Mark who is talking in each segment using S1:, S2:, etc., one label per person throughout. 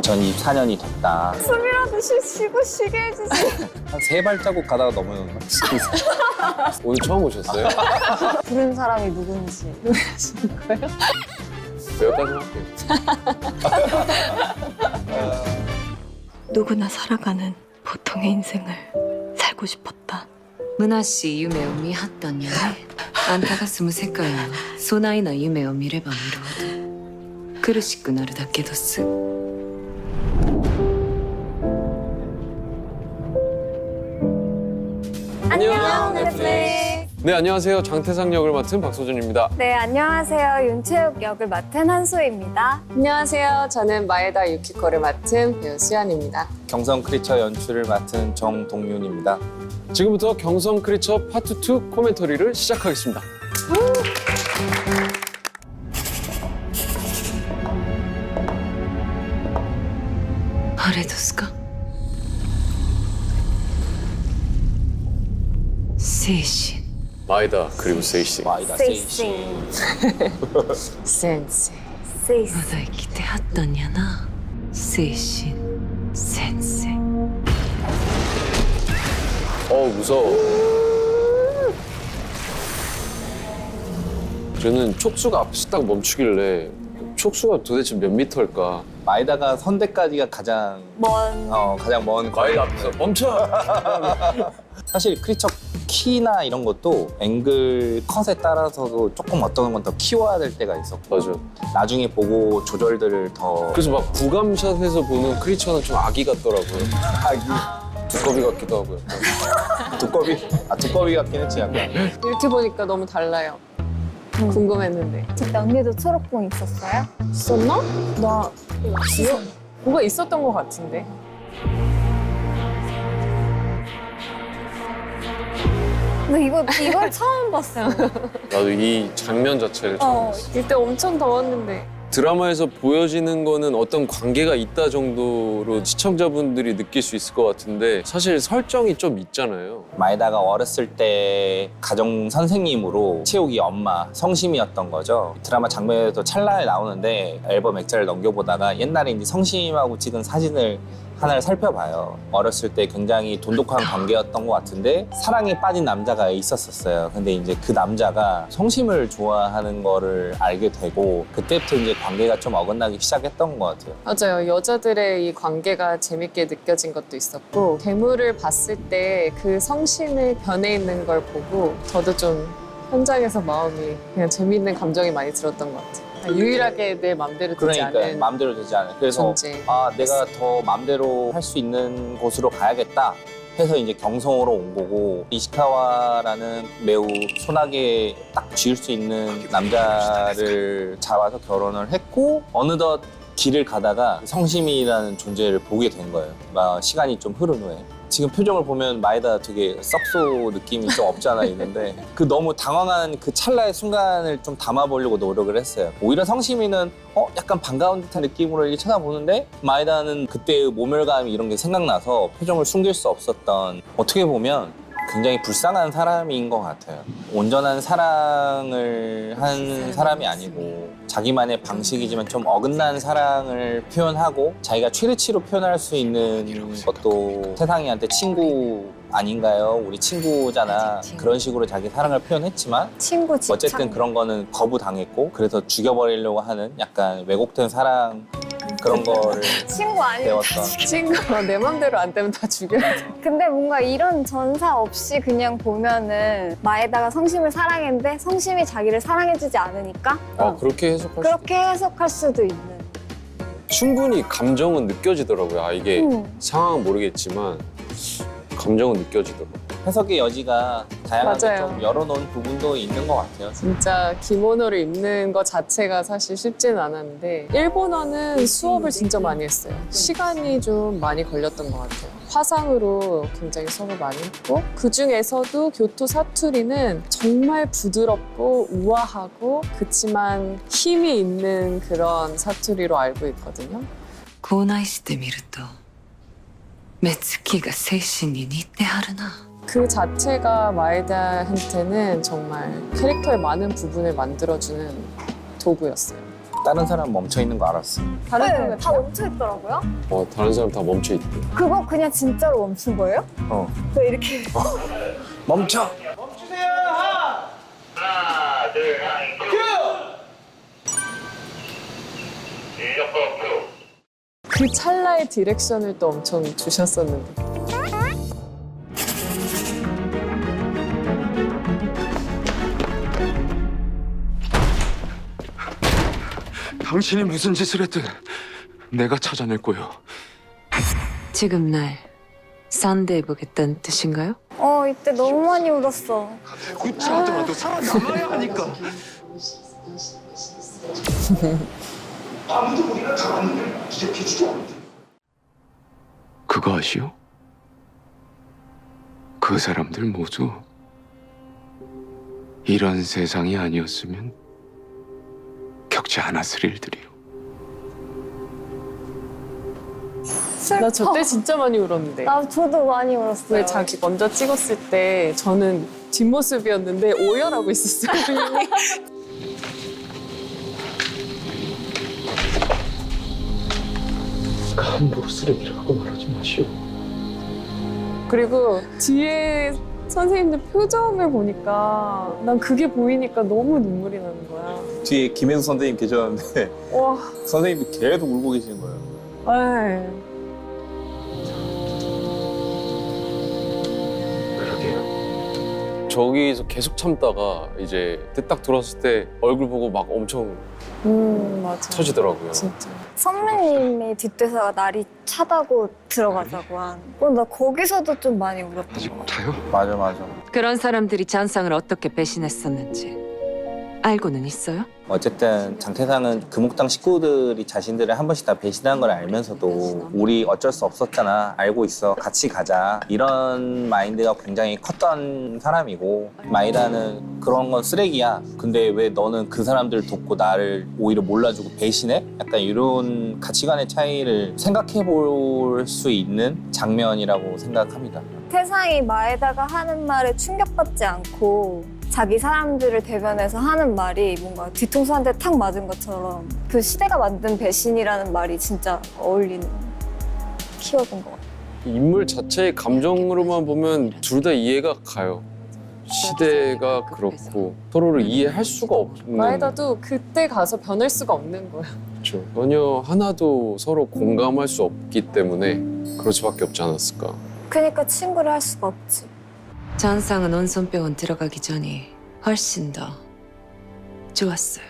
S1: 2024년이 됐다.
S2: 숨이라도 쉬고 쉬게 해주세요.
S1: 한 3발자국 가다가 넘어오는 거.
S3: 오늘 처음 오셨어요?
S2: 부른 사람이 누군지 노래하시는 거예요?
S3: 여기까지 할게요.
S4: 누구나 살아가는 보통의 인생을 살고 싶었다.
S5: 虚しい夢を見張ったんやね。あんたが住む世界はそないな夢を見れば見るほど苦しくなるだけどす。
S2: 안녕 넷플릭스.
S3: 네, 안녕하세요. 장태상 역을 맡은 박소준입니다.
S2: 네, 안녕하세요. 윤채욱 역을 맡은 한소희입니다.
S6: 안녕하세요. 저는 마에다 유키코를 맡은 배우 수연입니다.
S1: 경성 크리처 연출을 맡은 정동윤입니다.
S3: 지금부터 경성 크리처 파트 2 코멘터리를 시작하겠습니다.
S5: あれですか精神
S3: 마이다 그리고 세이씨.
S1: 와이다
S2: 세이싱.
S6: 센세.
S5: ま
S2: 세이싱.
S5: だ生きてはったんやな精神先生
S3: 무서워. 저는 촉수가 앞에서 딱 멈추길래 촉수가 도대체 몇 미터일까?
S1: 마이다가 선대까지가 가장 가장 먼 거리.
S3: 앞에서 멈춰!
S1: 사실 크리처 키나 이런 것도 앵글 컷에 따라서도 조금 어떤 건 더 키워야 될 때가 있었고
S3: 맞아.
S1: 나중에 보고 조절들을 더
S3: 그래서 막 부감샷에서 보는 크리처는 좀 아기 같더라고요. 두꺼비 같기도 하고요.
S1: 두꺼비 같긴 했지 약간.
S6: 이렇게 보니까 너무 달라요. 궁금했는데.
S2: 그때 언니도 초록봉 있었어요?
S6: 있었나? 나 뭐가 있었던 것 같은데.
S2: 근데 이걸 처음 봤어요.
S3: 나도 이 장면 자체를 처음 봤어.
S6: 이때 엄청 더웠는데.
S3: 드라마에서 보여지는 거는 어떤 관계가 있다 정도로 시청자분들이 느낄 수 있을 것 같은데 사실 설정이 좀 있잖아요.
S1: 마에다가 어렸을 때 가정 선생님으로 채욱이 엄마 성심이었던 거죠. 드라마 장면에도 찰나에 나오는데 앨범 액자를 넘겨보다가 옛날에 이제 성심하고 찍은 사진을 하나를 살펴봐요. 어렸을 때 굉장히 돈독한 관계였던 것 같은데 사랑에 빠진 남자가 있었어요. 근데 이제 그 남자가 성심을 좋아하는 거를 알게 되고 그때부터 이제 관계가 좀 어긋나기 시작했던 것 같아요.
S6: 맞아요. 여자들의 이 관계가 재밌게 느껴진 것도 있었고 괴물을 봤을 때 그 성심의 변해 있는 걸 보고 저도 좀 현장에서 마음이 그냥 재밌는 감정이 많이 들었던 것 같아요. 유일하게 내 맘대로 되지
S1: 그러니까
S6: 않은
S1: 마음대로 되지 않아요. 그래서
S6: 존재.
S1: 내가 더 마음대로 할 수 있는 곳으로 가야겠다 해서 이제 경성으로 온 거고 이시카와라는 매우 소나게 딱 쥐을 수 있는 남자를 잡아서 결혼을 했고 어느덧 길을 가다가 성심이라는 존재를 보게 된 거예요. 시간이 좀 흐른 후에. 지금 표정을 보면 마에다 되게 썩소 느낌이 좀 없지 않아 있는데 그 너무 당황한 그 찰나의 순간을 좀 담아보려고 노력을 했어요. 오히려 성심이는 약간 반가운 듯한 느낌으로 이렇게 쳐다보는데 마에다는 그때의 모멸감이 이런 게 생각나서 표정을 숨길 수 없었던 어떻게 보면 굉장히 불쌍한 사람인 것 같아요. 온전한 사랑을 한 사람이 아니고 자기만의 방식이지만 좀 어긋난 사랑을 표현하고 자기가 최대치로 표현할 수 있는 것도 세상이한테 친구 아닌가요? 우리 친구잖아. 그런 식으로 자기 사랑을 표현했지만
S2: 친구 집착.
S1: 어쨌든 그런 거는 거부당했고 그래서 죽여버리려고 하는 약간 왜곡된 사랑 그런 거를
S2: 친구 아니에요.
S1: 배웠던.
S6: 친구가 내 맘대로 안 되면 다 죽여야 돼.
S2: 근데 뭔가 이런 전사 없이 그냥 보면은 마에다가 성심을 사랑했는데 성심이 자기를 사랑해주지 않으니까
S3: 그렇게 해석할 수
S2: 그렇게 해석할 수도 있는.
S3: 충분히 감정은 느껴지더라고요. 이게 상황은 모르겠지만 감정은 느껴지더라고요.
S1: 해석의 여지가 다양하게
S6: 맞아요.
S1: 좀 열어놓은 부분도 있는 것 같아요.
S6: 진짜 기모노를 입는 것 자체가 사실 쉽지는 않았는데 일본어는 수업을 진짜 많이 했어요. 시간이 좀 많이 걸렸던 것 같아요. 화상으로 굉장히 수업을 많이 했고 그중에서도 교토 사투리는 정말 부드럽고 우아하고 그치만 힘이 있는 그런 사투리로 알고 있거든요.
S5: こないしてみると目つきが精神に似てはるな
S6: 그 자체가 마에다한테는 정말 캐릭터의 많은 부분을 만들어주는 도구였어요.
S1: 다른 사람 멈춰 있는 거 알았어.
S6: 다른
S2: 네,
S6: 사람
S2: 다 멈춰있더라고요.
S3: 다른 사람 다 멈춰 있대.
S2: 그거 그냥 진짜로 멈춘 거예요?
S1: 어.
S2: 왜 이렇게
S1: 멈춰!
S6: 그 찰나의 디렉션을 또 엄청 주셨었는데.
S7: 당신이 무슨 짓을 했든 내가 찾아낼 거요.
S5: 지금 날 상대해보겠다는 뜻인가요?
S2: 이때 너무 많이 울었어.
S7: 구치하더라도 살아남아야 하니까. 아무도 우리가 당하는 걸 기억해주지 않는데. 그거 아시오? 그 사람들 모두 이런 세상이 아니었으면 겪지 않았을 일들이요.
S2: 슬퍼.
S6: 나 저 때 진짜 많이 울었는데.
S2: 저도 많이 울었어요.
S6: 왜 자기 먼저 찍었을 때 저는 뒷모습이었는데 오열하고 있었어요. 이미.
S7: 함부로 쓰레기라고 말하지 마시오.
S6: 그리고 뒤에 선생님들 표정을 보니까 난 그게 보이니까 너무 눈물이 나는 거야.
S1: 뒤에 김혜수 선생님 계셨는데
S6: 와,
S1: 선생님도 계속 울고 계시는 거예요.
S6: 에이.
S7: 그러게요.
S3: 저기서 계속 참다가 이제 딱 돌아섰을 때 얼굴 보고 막 엄청
S6: 맞아.
S3: 터지더라고요.
S6: 진짜.
S2: 선배님이 뒷대사가 날이 차다고 들어가자고 한. 나 거기서도 좀 많이 울었던
S7: 아직
S2: 것 같아.
S7: 자요?
S1: 맞아, 맞아.
S5: 그런 사람들이 잔상을 어떻게 배신했었는지 알고는 있어요?
S1: 어쨌든 장태상은 금옥당 식구들이 자신들을 한 번씩 다 배신한 걸 알면서도 우리 어쩔 수 없었잖아, 알고 있어, 같이 가자, 이런 마인드가 굉장히 컸던 사람이고, 마이라는 그런 건 쓰레기야, 근데 왜 너는 그 사람들 돕고 나를 오히려 몰라주고 배신해? 약간 이런 가치관의 차이를 생각해 볼 수 있는 장면이라고 생각합니다.
S2: 태상이 마에다가 하는 말에 충격받지 않고 자기 사람들을 대변해서 하는 말이 뭔가 뒤통수 한 대 탁 맞은 것처럼 그 시대가 만든 배신이라는 말이 진짜 어울리는 키워드인 것 같아요.
S3: 인물 자체의 감정으로만 보면 둘 다 이해가 가요. 시대가 그렇고 서로를 이해할 수가 없는.
S6: 마에다도 그때 가서 변할 수가 없는 거야.
S3: 그렇죠. 전혀 하나도 서로 공감할 수 없기 때문에 그럴 수밖에 없지 않았을까.
S2: 그러니까 친구를 할 수가 없지.
S5: 잔상은 온선병원 들어가기 전이 훨씬 더 좋았어요.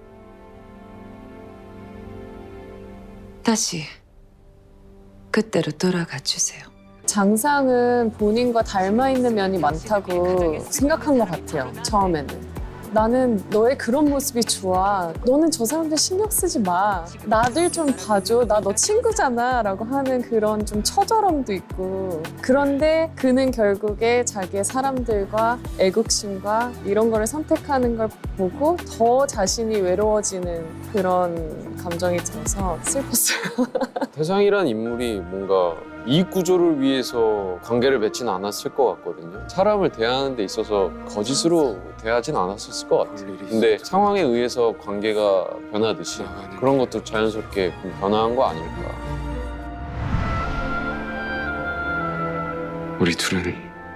S5: 다시 그때로 돌아가 주세요.
S6: 장상은 본인과 닮아있는 면이 많다고 생각한 것 같아요, 처음에는. 나는 너의 그런 모습이 좋아. 너는 저 사람들 신경 쓰지 마. 나들 좀 봐줘. 나 너 친구잖아. 라고 하는 그런 좀 처절함도 있고. 그런데 그는 결국에 자기의 사람들과 애국심과 이런 거를 선택하는 걸 보고 더 자신이 외로워지는 그런 감정이 들어서 슬펐어요.
S3: 태상이란 인물이 뭔가 이익 구조를 위해서 관계를 맺지는 않았을 것 같거든요. 사람을 대하는 데 있어서 거짓으로 대하진 않았을 것 같아요. 근데 상황에 의해서 관계가 변하듯이 그런 것도 자연스럽게 변화한 거 아닐까.
S7: 우리 둘은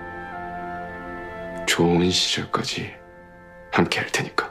S7: 좋은 시절까지 함께 할 테니까.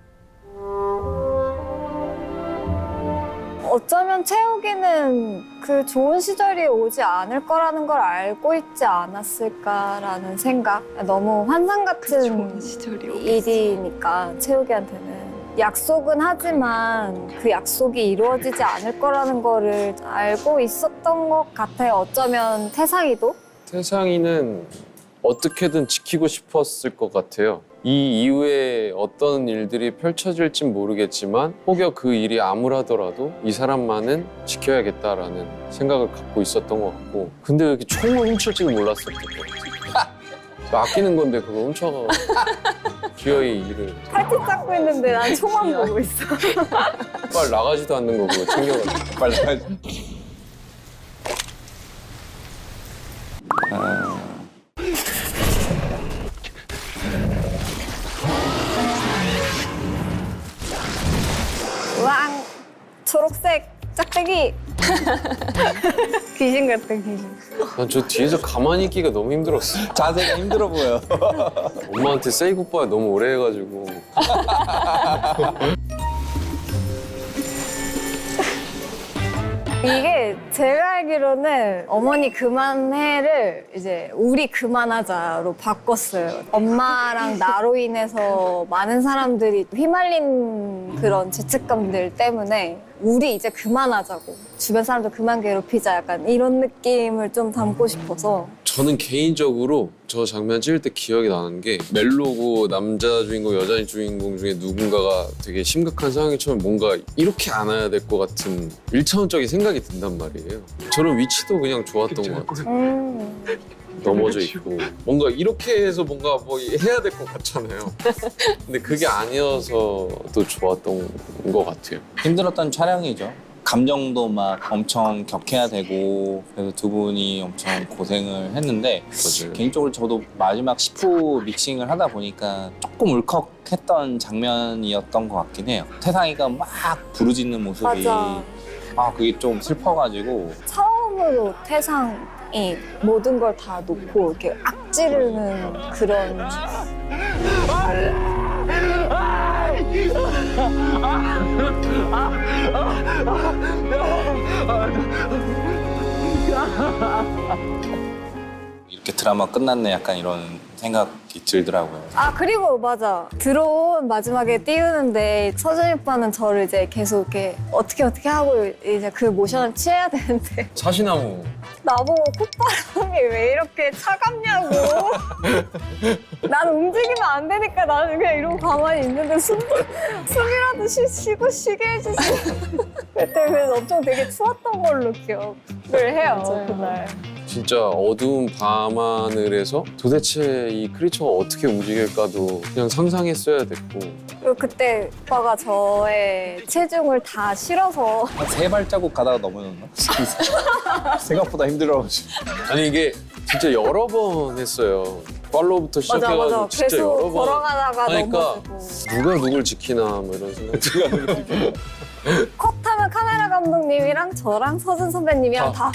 S2: 어쩌면 채욱이는 그 좋은 시절이 오지 않을 거라는 걸 알고 있지 않았을까라는 생각. 너무 환상 같은
S4: 좋은 시절이
S2: 일이니까 채욱이한테는. 약속은 하지만 그 약속이 이루어지지 않을 거라는 거를 알고 있었던 것 같아요. 어쩌면 태상이도.
S3: 태상이는 어떻게든 지키고 싶었을 것 같아요. 이 이후에 어떤 일들이 펼쳐질진 모르겠지만 혹여 그 일이 암울하더라도 이 사람만은 지켜야겠다라는 생각을 갖고 있었던 것 같고, 근데 왜 이렇게 총을 훔칠 줄 몰랐을 것 같아요. 아끼는 건데 그걸 훔쳐가 기어이 일을
S2: 팔찌 잡고 있는데 난 총만 보고 있어.
S3: 빨리 나가지도 않는 거 그거 챙겨가지고
S1: 빨리 가야지.
S2: 왕. 귀신 같아 귀신.
S3: 난 저 뒤에서 가만히 있기가 너무 힘들었어.
S1: 자세가 힘들어 보여.
S3: 엄마한테 세이 굿바이 너무 오래 해가지고.
S2: 이게 제가 알기로는 어머니 그만해를 이제 우리 그만하자로 바꿨어요. 엄마랑 나로 인해서 많은 사람들이 휘말린 그런 죄책감들 때문에 우리 이제 그만하자고, 주변 사람들 그만 괴롭히자, 약간 이런 느낌을 좀 담고 싶어서.
S3: 저는 개인적으로 저 장면 찍을 때 기억이 나는 게 멜로고 남자 주인공, 여자 주인공 중에 누군가가 되게 심각한 상황에 처하면 뭔가 이렇게 안아야 될 것 같은 1차원적인 생각이 든단 말이에요. 저런 위치도 그냥 좋았던 것 같아요. 넘어져 있고 뭔가 이렇게 해서 뭔가 뭐 해야 될 것 같잖아요. 근데 그게 아니어서 또 좋았던 것 같아요.
S1: 힘들었던 촬영이죠. 감정도 막 엄청 격해야 되고 그래서 두 분이 엄청 고생을 했는데
S3: 맞아요.
S1: 개인적으로 저도 마지막 10부 믹싱을 하다 보니까 조금 울컥했던 장면이었던 것 같긴 해요. 태상이가 막 부르짖는 모습이
S2: 맞아.
S1: 그게 좀 슬퍼가지고
S2: 처음으로 태상이 모든 걸 다 놓고 이렇게 악지르는 그런.
S1: 이렇게 드라마 끝났네 약간 이런 생각이 들더라고요.
S2: 아, 그리고 맞아. 드론 마지막에 띄우는데 서준이 오빠는 저를 이제 계속 이렇게 어떻게 하고 이제 그 모션을 취해야 되는데
S3: 사시나무.
S2: 나보고 콧바람이 왜 이렇게 차갑냐고. 난 움직이면 안 되니까 나는 그냥 이러고 가만히 있는데 숨이라도 쉬고 쉬게 해주지. 그때 그래서 엄청 되게 추웠던 걸로 기억을 해요.
S6: 맞아요.
S2: 그날.
S3: 진짜 어두운 밤하늘에서 도대체 이 크리처가 어떻게 움직일까도 그냥 상상했어야 됐고.
S2: 그리고 그때 오빠가 저의 체중을 다 실어서
S1: 한 3발자국 가다가 넘어졌나? 생각보다 힘들어가지고.
S3: 아니 이게 진짜 여러 번 했어요. 팔로우부터 시작해가지고
S2: 맞아.
S3: 진짜
S2: 계속
S3: 여러 번
S2: 걸어가다가
S3: 하니까
S2: 넘어지고.
S3: 누가 누굴 지키나 뭐 이런 생각.
S2: 컷하면 카메라 감독님이랑 저랑 서준 선배님이랑 다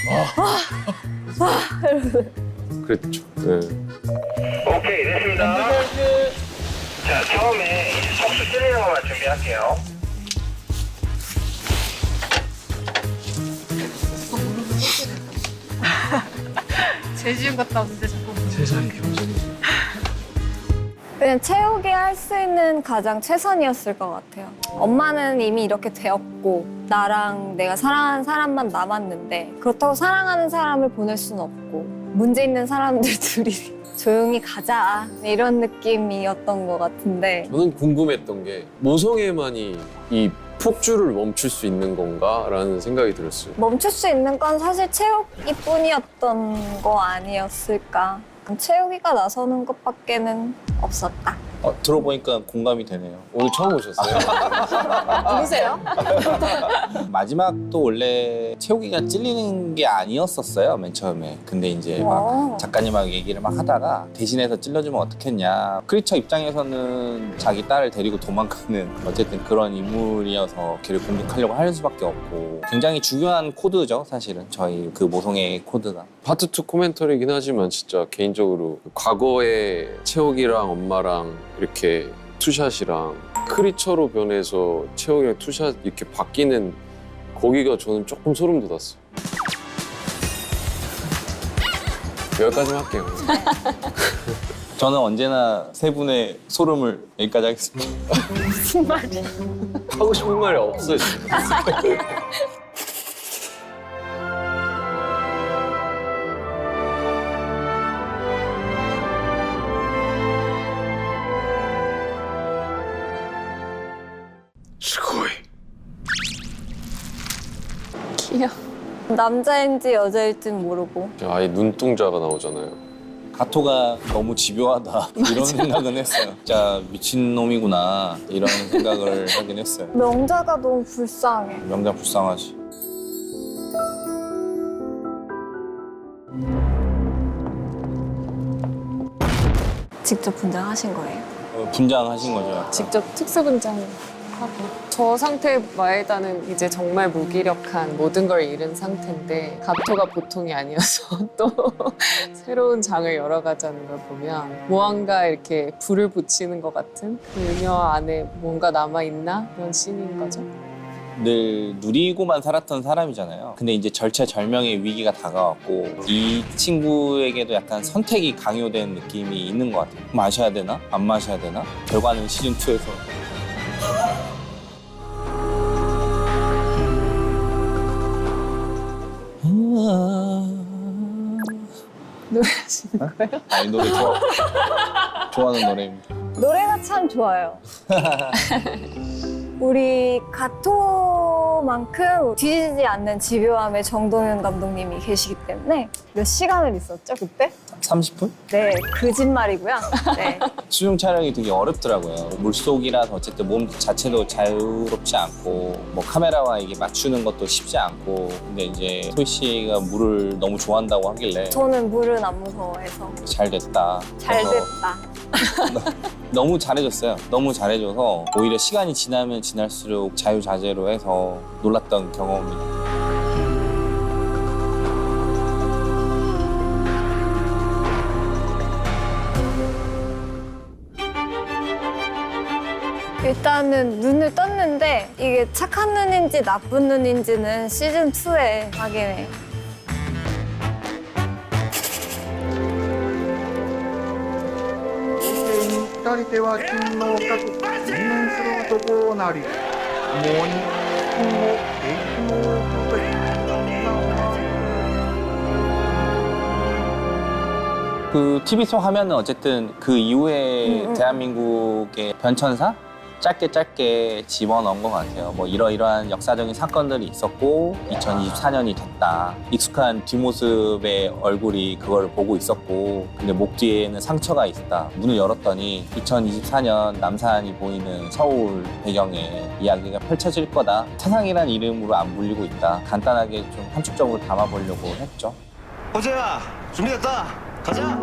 S3: 그랬죠. 네.
S8: 오케이, 됐습니다. 자, 처음에 속수 찔리는 것만 준비할게요.
S2: 그냥 채우게 할 수 있는 가장 최선이었을 것 같아요. 엄마는 이미 이렇게 되었고 나랑 내가 사랑하는 사람만 남았는데 그렇다고 사랑하는 사람을 보낼 수는 없고 문제 있는 사람들 둘이 조용히 가자 이런 느낌이었던 것 같은데
S3: 저는 궁금했던 게 모성애만이 이 폭주를 멈출 수 있는 건가라는 생각이 들었어요.
S2: 멈출 수 있는 건 사실 채우기 뿐이었던 거 아니었을까. 채우기가 나서는 것밖에는 없었다.
S1: 들어보니까 공감이 되네요.
S3: 오늘 처음 오셨어요?
S2: 누구세요?
S1: 마지막도 원래 채우기가 찔리는 게 아니었었어요, 맨 처음에. 근데 이제 막 작가님하고 얘기를 막 하다가 대신해서 찔러주면 어떻겠냐. 크리처 입장에서는 자기 딸을 데리고 도망가는 어쨌든 그런 인물이어서 걔를 공격하려고 할 수밖에 없고 굉장히 중요한 코드죠, 사실은. 저희 그 모성애 코드가.
S3: 파트 2 코멘터리긴 하지만 진짜 개인적으로 과거에 채옥이랑 엄마랑 이렇게 투샷이랑 크리처로 변해서 채옥이랑 투샷 이렇게 바뀌는 거기가 저는 조금 소름 돋았어요. 여기까지만 할게요.
S1: 저는 언제나 세 분의 소름을 여기까지 하겠습니다.
S2: 무슨 말이야?
S3: 하고 싶은 말이 없어요. 진짜.
S6: 귀여워.
S2: 남자인지 여자일지 모르고.
S3: 아예 눈동자가 나오잖아요.
S1: 가토가 너무 집요하다 이런 생각은 했어요. 진짜 미친놈이구나 이런 생각을 하긴 했어요.
S2: 명자가 너무 불쌍해.
S1: 명자 불쌍하지.
S2: 직접 분장하신 거예요?
S1: 분장하신 거죠? 약간.
S6: 직접 특수 분장. 하고 저 상태의 마에다는 이제 정말 무기력한 모든 걸 잃은 상태인데 가토가 보통이 아니어서 또 새로운 장을 열어가자는 걸 보면 무언가 이렇게 불을 붙이는 것 같은 그녀 안에 뭔가 남아있나? 그런 씬인 거죠.
S1: 늘 누리고만 살았던 사람이잖아요. 근데 이제 절체절명의 위기가 다가왔고 이 친구에게도 약간 선택이 강요된 느낌이 있는 것 같아요. 마셔야 되나? 안 마셔야 되나? 결과는 시즌2에서
S6: 노래하시는 거예요?
S1: 아니 노래 좋아하는 노래입니다.
S2: 노래가 참 좋아요. 우리 가토만큼 뒤지지 않는 집요함의 정동윤 감독님이 계시기 때문에 몇 시간을 있었죠 그때?
S1: 30분?
S2: 네, 거짓말이고요. 네.
S1: 수중 촬영이 되게 어렵더라고요. 물속이라서 어쨌든 몸 자체도 자유롭지 않고 뭐 카메라와 이게 맞추는 것도 쉽지 않고 근데 이제 소희 씨가 물을 너무 좋아한다고 하길래
S2: 저는 물은 안 무서워해서
S1: 잘 됐다.
S2: 잘
S1: 그래서
S2: 됐다.
S1: 너무 잘해줬어요. 너무 잘해줘서 오히려 시간이 지나면 지날수록 자유자재로 해서 놀랐던 경험이.
S2: 일단은 눈을 떴는데 이게 착한 눈인지 나쁜 눈인지는 시즌2에 확인해요.
S7: 左手は金の深く入念する男なりもうに金を平気のことへ
S1: 그 TV 속 화면은 어쨌든 그 이후에 대한민국의 변천사? 짧게 집어넣은 것 같아요. 뭐 이러이러한 역사적인 사건들이 있었고 2024년이 됐다. 익숙한 뒷모습의 얼굴이 그걸 보고 있었고 근데 목 뒤에는 상처가 있다. 문을 열었더니 2024년 남산이 보이는 서울 배경에 이야기가 펼쳐질 거다. 타상이란 이름으로 안 불리고 있다. 간단하게 좀 함축적으로 담아보려고 했죠.
S9: 호재야 준비됐다 가자.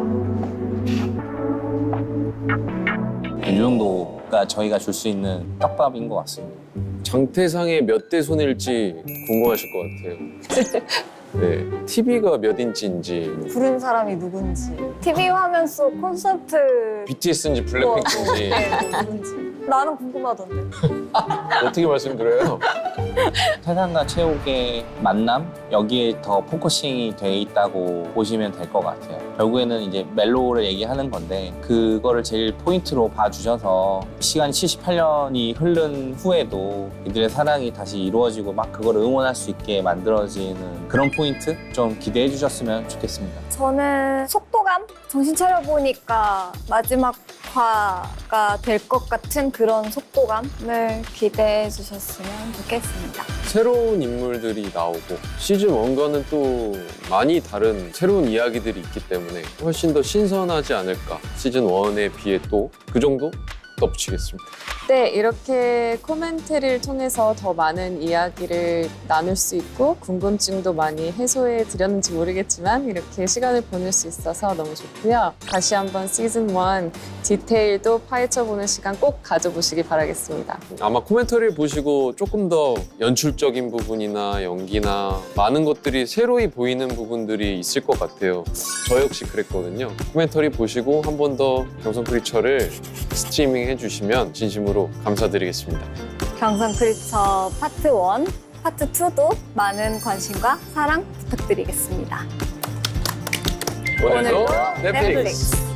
S1: 이 정도가 저희가 줄 수 있는 떡밥인 것 같습니다.
S3: 장태상의 몇 대 손일지 궁금하실 것 같아요. 네, TV가 몇 인치인지,
S2: 부른 사람이 누군지, TV 화면 속 콘서트
S3: BTS인지 블랙핑크인지
S2: 네, 누군지. 나는 궁금하던데.
S3: 어떻게 말씀드려요?
S1: 태산과 최욱의 만남? 여기에 더 포커싱이 돼 있다고 보시면 될 것 같아요. 결국에는 이제 멜로를 얘기하는 건데 그거를 제일 포인트로 봐주셔서 시간이 78년이 흐른 후에도 이들의 사랑이 다시 이루어지고 막 그걸 응원할 수 있게 만들어지는 그런 포인트 좀 기대해 주셨으면 좋겠습니다.
S2: 저는 속도감? 정신 차려보니까 마지막 화가 될 것 같은 그런 속도감을 기대해 주셨으면 좋겠습니다.
S3: 새로운 인물들이 나오고 시즌 1과는 또 많이 다른 새로운 이야기들이 있기 때문에 훨씬 더 신선하지 않을까. 시즌 1에 비해 또 그 정도 덧붙이겠습니다.
S6: 네, 이렇게 코멘터리를 통해서 더 많은 이야기를 나눌 수 있고 궁금증도 많이 해소해 드렸는지 모르겠지만 이렇게 시간을 보낼 수 있어서 너무 좋고요. 다시 한번 시즌 1 디테일도 파헤쳐보는 시간 꼭 가져보시기 바라겠습니다.
S3: 아마 코멘터리를 보시고 조금 더 연출적인 부분이나 연기나 많은 것들이 새로이 보이는 부분들이 있을 것 같아요. 저 역시 그랬거든요. 코멘터리 보시고 한 번 더 경성 크리처를 스트리밍 해주시면 진심으로 감사드리겠습니다.
S2: 경성 크리처 파트 1, 파트 2도 많은 관심과 사랑 부탁드리겠습니다.
S3: 오늘도
S2: 오늘도
S3: 넷플릭스.